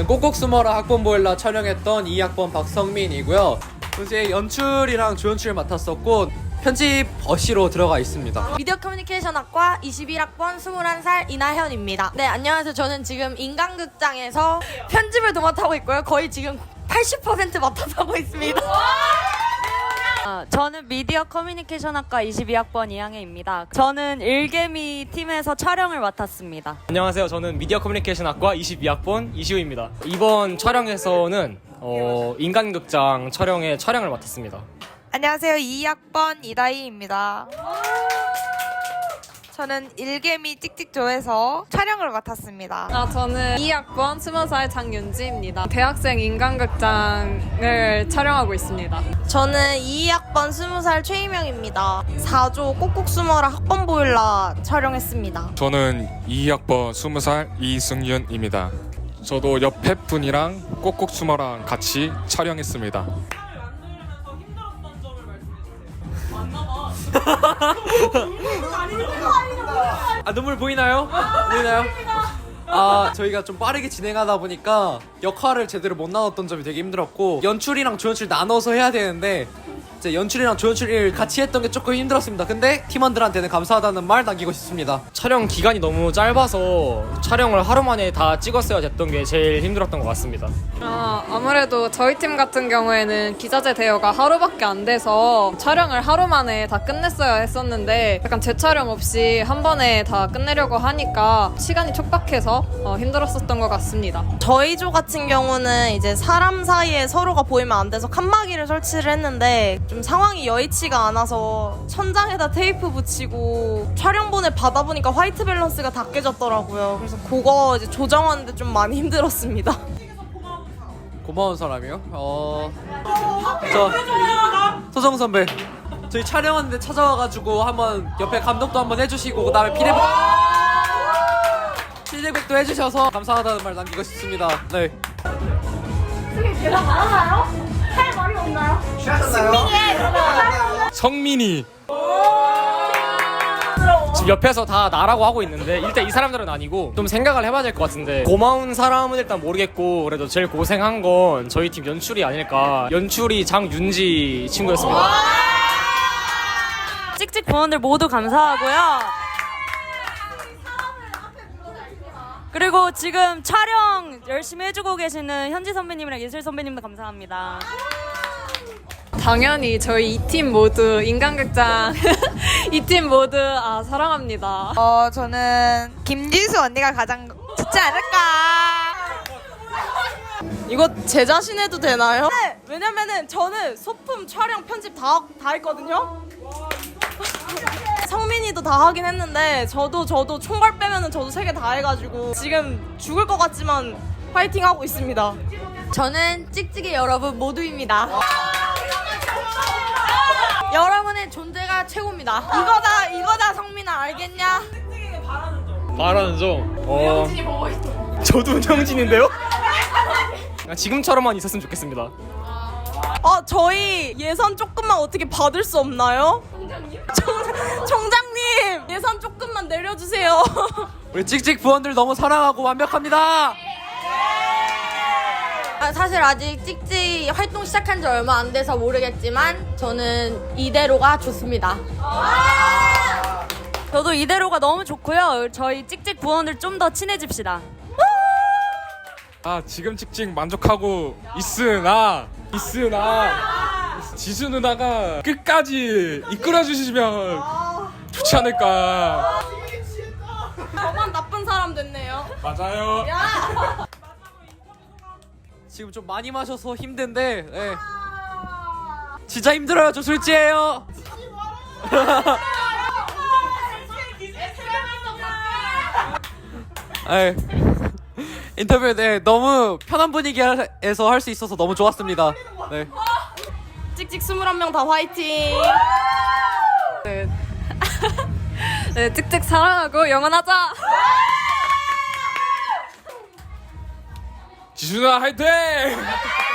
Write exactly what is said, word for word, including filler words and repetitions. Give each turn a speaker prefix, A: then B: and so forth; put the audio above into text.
A: 저는 꼭꼭 숨어라 학번 보일러 촬영했던 이 학번 박성민이고요. 이제 연출이랑 조연출을 맡았었고 편집 어시로 들어가 있습니다.
B: 미디어 커뮤니케이션 학과 이십일 학번 스물한 살 이나현입니다. 네, 안녕하세요. 저는 지금 인간극장에서 편집을 도맡아하고 있고요. 거의 지금 팔십 퍼센트 맡아서 하고 있습니다.
C: 어, 저는 미디어 커뮤니케이션 학과 이십이 학번 이항혜입니다. 저는 일개미 팀에서 촬영을 맡았습니다.
D: 안녕하세요. 저는 미디어 커뮤니케이션 학과 이십이 학번 이시우입니다. 이번 촬영에서는 어, 인간극장 촬영에 촬영을 맡았습니다.
E: 안녕하세요. 이 학번 이다희입니다. 저는 일개미 찍찍조에서 촬영을 맡았습니다.
F: 아, 저는 이 학번 스무 살 장윤지입니다. 대학생 인간극장을 촬영하고 있습니다.
B: 저는 이 학번 스무 살 최희명입니다. 사 조 꼭꼭 숨어라 학번 보일러 촬영했습니다.
G: 저는 이 학번 스무 살 이승윤입니다. 저도 옆에 분이랑 꼭꼭 숨어랑 같이 촬영했습니다.
A: 아, 눈물 보이나요? 보이나요? 아, 저희가 좀 빠르게 진행하다 보니까 역할을 제대로 못 나눴던 점이 되게 힘들었고 연출이랑 조연출 나눠서 해야 되는데 이제 연출이랑 조연출을 같이 했던 게 조금 힘들었습니다. 근데 팀원들한테는 감사하다는 말 남기고 싶습니다.
D: 촬영 기간이 너무 짧아서 촬영을 하루 만에 다 찍었어야 됐던 게 제일 힘들었던 것 같습니다.
F: 아, 아무래도 저희 팀 같은 경우에는 기자재 대여가 하루밖에 안 돼서 촬영을 하루 만에 다 끝냈어야 했었는데 약간 재촬영 없이 한 번에 다 끝내려고 하니까 시간이 촉박해서 어, 힘들었었던 것 같습니다.
B: 저희 조 같은 경우는 이제 사람 사이에 서로가 보이면 안 돼서 칸막이를 설치를 했는데 좀 상황이 여의치가 않아서 천장에다 테이프 붙이고 촬영본을 받아보니까 화이트 밸런스가 다 깨졌더라고요. 그래서 그거 이제 조정하는데 좀 많이 힘들었습니다.
A: 고마운 사람이요? 어... 저 소정 선배 저희 촬영하는데 찾아와가지고 한번 옆에 감독도 한번 해주시고 그 다음에 피드백 피드백도 해주셔서 감사하다는 말 남기고 싶습니다. 네.
G: 성민이
D: 지금 옆에서 다 나라고 하고 있는데 일단 이 사람들은 아니고 좀 생각을 해봐야 될 것 같은데 고마운 사람은 일단 모르겠고 그래도 제일 고생한 건 저희 팀 연출이 아닐까. 연출이 장윤지 친구였습니다.
C: 찍찍 부원들 모두 감사하고요. 그리고 지금 촬영 열심히 해주고 계시는 현지 선배님이랑 예슬 선배님도 감사합니다.
F: 당연히 저희 이 팀 모두 인간극장 이 팀 모두 아, 사랑합니다.
E: 어, 저는 김지수 언니가 가장 좋지 않을까.
B: 이거 제 자신 해도 되나요? 네, 왜냐면은 저는 소품 촬영 편집 다, 다 했거든요. 성민이도 다 하긴 했는데 저도 저도 총괄 빼면은 저도 세 개 다 해가지고 지금 죽을 것 같지만 파이팅 하고 있습니다. 저는 찍찍이 여러분 모두입니다. 여러분의 존재가 최고입니다. 이거다 이거다 성민아 알겠냐?
D: 바라는 점. 어... 저도 운영진인데요? 지금처럼만 있었으면 좋겠습니다.
B: 어 저희 예산 조금만 어떻게 받을 수 없나요? 총장님? 총, 총장님 예산 조금만 내려주세요.
A: 우리 찍찍 부원들 너무 사랑하고 완벽합니다.
B: 아, 사실 아직 찍찍 활동 시작한 지 얼마 안 돼서 모르겠지만 저는 이대로가 좋습니다.
C: 저도 이대로가 너무 좋고요. 저희 찍찍 부원들 좀 더 친해집시다.
G: 아 지금 찍찍 만족하고 있으나 있으나 지수 누나가 끝까지 이끌어 주시면 좋지 않을까.
B: 저만 나쁜 사람 됐네요.
G: 맞아요.
A: 지금 좀 많이 마셔서 힘든데 네. 진짜 힘들어요. 저 술지예요. 네. 인터뷰 네 너무 편한 분위기에서 할 수 있어서 너무 좋았습니다. 네.
B: 찍찍 스물한 명 다 화이팅.
F: 네. 네, 찍찍 사랑하고 영원하자.
G: 지수 누나 화이팅!